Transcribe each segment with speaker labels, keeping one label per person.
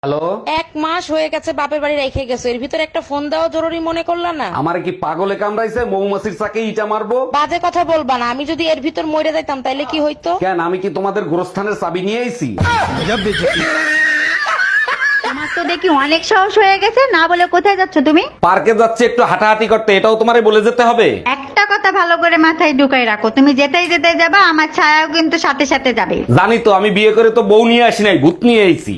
Speaker 1: Hello,
Speaker 2: এক মাস হয়ে গেছে বাপের বাড়ি রেখে গেছো, এর ভিতর একটা ফোন দেওয়া জরুরি মনে করলা না?
Speaker 1: আমার কি পাগলে কামড়াইছে? মৌমাছির চাকে ইটা মারবো?
Speaker 2: বাজে কথা বলবা না, আমি যদি এর ভিতর মরে যাইতাম তাইলে কি হইতো?
Speaker 1: কেন, আমি কি তোমাদের গোরস্থানের চাবি নিয়ে আইছি?
Speaker 3: তোমার তো দেখি অনেক সাহস হয়ে গেছে, না বলে কোথায় যাচ্ছ তুমি?
Speaker 1: পার্কে যাচ্ছে একটু হাঁটাহাঁটি করতে, এটাও তোমারে বলে যেতে হবে?
Speaker 3: একটা কথা ভালো করে মাথায় ঢুকাই রাখো, তুমি যেতেই যেতে যাবা, আমার ছায়াও কিন্তু সাথে সাথে যাবে।
Speaker 1: জানি তো, আমি বিয়ে করে তো বউ নিয়ে আসি নাই, ভূত নিয়ে আইছি।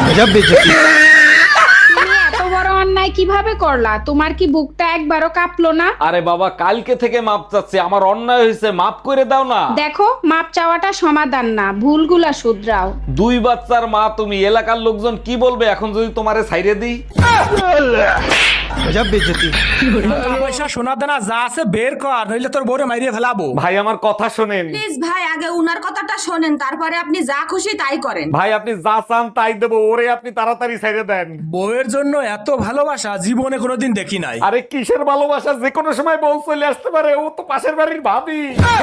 Speaker 4: তুমি এত বড় অন্যায় কিভাবে করলা? তোমার কি বুকটা একবারও কাঁপলো না?
Speaker 1: আরে বাবা, কালকে থেকে মাপ চাচ্ছি, আমার অন্যায় হয়েছে, মাপ করে দাও না।
Speaker 4: দেখো, মাপ চাওয়াটা সমাধান না, ভুলগুলা শুধরাও।
Speaker 1: দুই বাচ্চার মা তুমি, এলাকার লোকজন কি বলবে এখন যদি তোমারে ছাইরে দিই?
Speaker 5: পয়সা সোনা দানা যা আছে বের কর, নইলে তোর বউরে মাইরিয়ে ফেলাবো।
Speaker 1: ভাই আমার কথা শোনেন।
Speaker 6: প্লিজ ভাই, আগে উনার কথাটা শোনেন, তারপরে আপনি যা খুশি তাই করেন।
Speaker 1: ভাই আপনি যা চান তাই দেবো, ওরে আপনি তাড়াতাড়ি ছাইরে দেন।
Speaker 5: বউয়ের জন্য এত ভালোবাসা জীবনে কোনোদিন দেখি নাই।
Speaker 1: আরে কিসের ভালোবাসা, যে কোনো সময় বউ চলে আসতে পারে, ও তো পাশের বাড়ির ভাবি।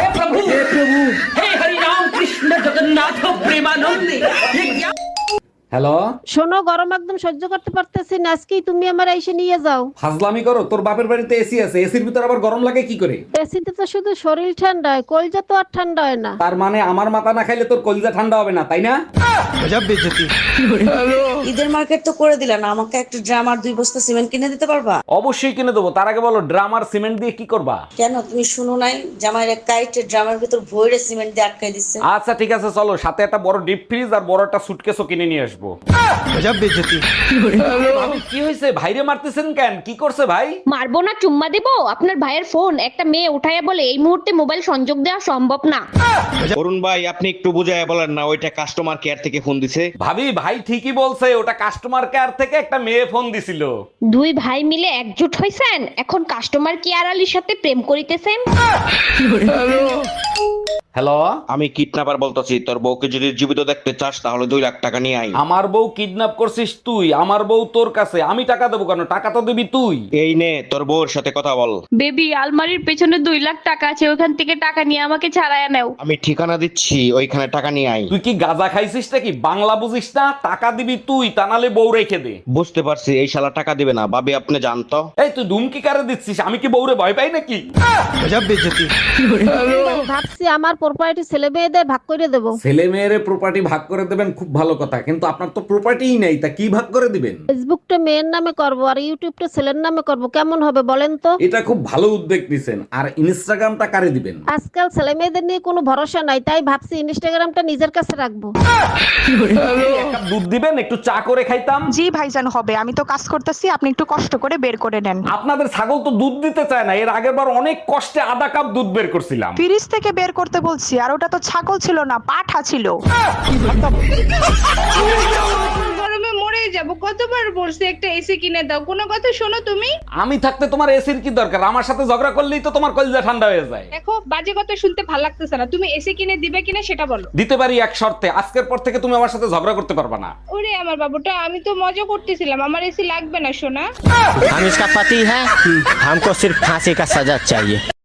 Speaker 1: হ্যালো,
Speaker 7: শোনো, গরম একদম সহ্য করতে পারতেছি না, আজকেই তুমি আমার এসে নিয়ে যাও।
Speaker 1: ফাজলামি করো, তোর বাপের বাড়িতে এসি আছে, এসির ভিতর আবার গরম লাগে কি করে?
Speaker 7: এসিতে তো শুধু শরীর ঠান্ডা হয়, কলজা তো আর ঠান্ডা হয় না।
Speaker 1: তার মানে আমার মাথা না খাইলে তোর কলিজা ঠান্ডা হবে না, তাই না?
Speaker 2: ঈদের মার্কেট তো করে দিলা না, আমাকে একটা ড্রাম আর 2 বস্তা সিমেন্ট কিনে দিতে পারবা?
Speaker 1: অবশ্যই কিনে দেবো, তার আগে বলো ড্রাম আর সিমেন্ট দিয়ে কি করবা?
Speaker 2: কেন, তুমি শুনো নাই জামাইয়ের এক কাইটে ড্রামের ভিতর ভইরে সিমেন্ট দিয়ে আটকাই দিচ্ছে?
Speaker 1: আচ্ছা ঠিক আছে, চলো, সাথে একটা বড় ডিপ ফ্রিজ আর বড় একটা সুটকেসও কিনে নিয়ে আসবো। ভাবি, কি হয়েছে? ভাইরে মারতেছেন কেন? কি করছে ভাই?
Speaker 8: মারবো না, চুম্মা দেবো? আপনার ভাইয়ের ফোন একটা মেয়ে উঠাইয়া বলে এই মুহূর্তে মোবাইল সংযোগ দেওয়া সম্ভব না।
Speaker 9: অরুণ ভাই, আপনি একটু বুঝায় বলেন না, ওইটা কাস্টমার কেয়ার থেকে ফোন দিছে।
Speaker 1: ভাবি, ভাই ঠিকই বলছে, ওটা কাস্টমার কেয়ার থেকে একটা মেয়ে ফোন দিছিল।
Speaker 8: দুই ভাই মিলে একজোট হইছেন, এখন কাস্টমার কেয়ার আলীর সাথে প্রেম করিতেছেন।
Speaker 1: হ্যালো,
Speaker 9: আমি কিডন্যাপার বলতেছি, তোর বউকে যদি জীবিত দেখতে চাস তাহলে 2 লাখ টাকা নিয়ে আই।
Speaker 1: আমার বউ কিডন্যাপ করছিস তুই? আমার বউ তোর কাছে, আমি টাকা দেবো কেন? টাকা তো দিবি তুই।
Speaker 9: এই নে, তোর বউর সাথে কথা বল।
Speaker 8: বেবি, আলমারির পেছনে 2 লাখ টাকা আছে, ওখান থেকে টাকা নিয়ে আমাকে ছাড়াইয়া নাও।
Speaker 9: আমি ঠিকানা দিচ্ছি, ওইখানে টাকা নিয়ে আই।
Speaker 1: তুই কি গাঁজা খাইছিস নাকি? বাংলা বুঝিস না? টাকা দিবি তুই, তা নালে বউ রেখে দে।
Speaker 9: বুঝতে পারছি, এই শালা টাকা দিবে না। ভাবি আপনি জানতো?
Speaker 1: এই তুই ধুমকি কারে দিচ্ছিস? আমি কি বউরে ভয় পাই নাকি?
Speaker 7: ভাবছি আমার প্রপার্টি ছেলে মেয়েদের ভাগ করে দেবো।
Speaker 1: ছেলে মেয়েরে প্রপার্টি ভাগ করে দেবেন, খুব ভালো কথা, কিন্তু আপনার তো প্রপার্টিই নেই, তা কি ভাগ করে দিবেন?
Speaker 7: ফেসবুকটা মেয়ের নামে করব আর ইউটিউবটা ছেলের নামে করব, কেমন হবে বলেন তো?
Speaker 1: এটা খুব ভালো উদ্যোগ নিছেন। আর ইনস্টাগ্রামটা কারে দিবেন?
Speaker 7: আজকাল ছেলে মেয়েদের নিয়ে কোনো ভরসা নাই, তাই ভাবছি ইনস্টাগ্রামটা নিজের কাছে রাখবো।
Speaker 1: এক কাপ দুধ দিবেন, একটু চা করে খাইতাম।
Speaker 10: জি ভাইজান, হবে, আমি তো কাজ করতেছি, আপনি একটু কষ্ট করে বের করে নেন।
Speaker 1: আপনাদের ছাগল তো দুধ দিতে চায় না, এর আগের বার অনেক কষ্টে আধা কাপ দুধ বের করছিলাম।
Speaker 10: ফ্রিজ থেকে বের করতে বলছি, আর ওটা তো ছাগল ছিল না, পাঠা ছিল।
Speaker 4: গরমে মরে যাব, কতবার বলছি একটা এসি কিনে দাও, কোনো কথা শোনো তুমি?
Speaker 1: আমি থাকতে তোমার এসির কি দরকার? আমার সাথে ঝগড়া করলেই তো তোমার কলিজা ঠান্ডা হয়ে যায়।
Speaker 4: দেখো, বাজে কথা শুনতে ভালো লাগতেছে না, তুমি এসি কিনে দিবে কিনা সেটা বলো।
Speaker 1: দিতে পারি এক শর্তে, আজকের পর থেকে তুমি আমার সাথে ঝগড়া করতে পারবা না।
Speaker 4: ওরে আমার বাবুটা, আমি তো মজা করতেছিলাম, আমার এসি লাগবে না সোনা।
Speaker 5: हम इसका पति है, हमको सिर्फ फांसी का सजा चाहिए।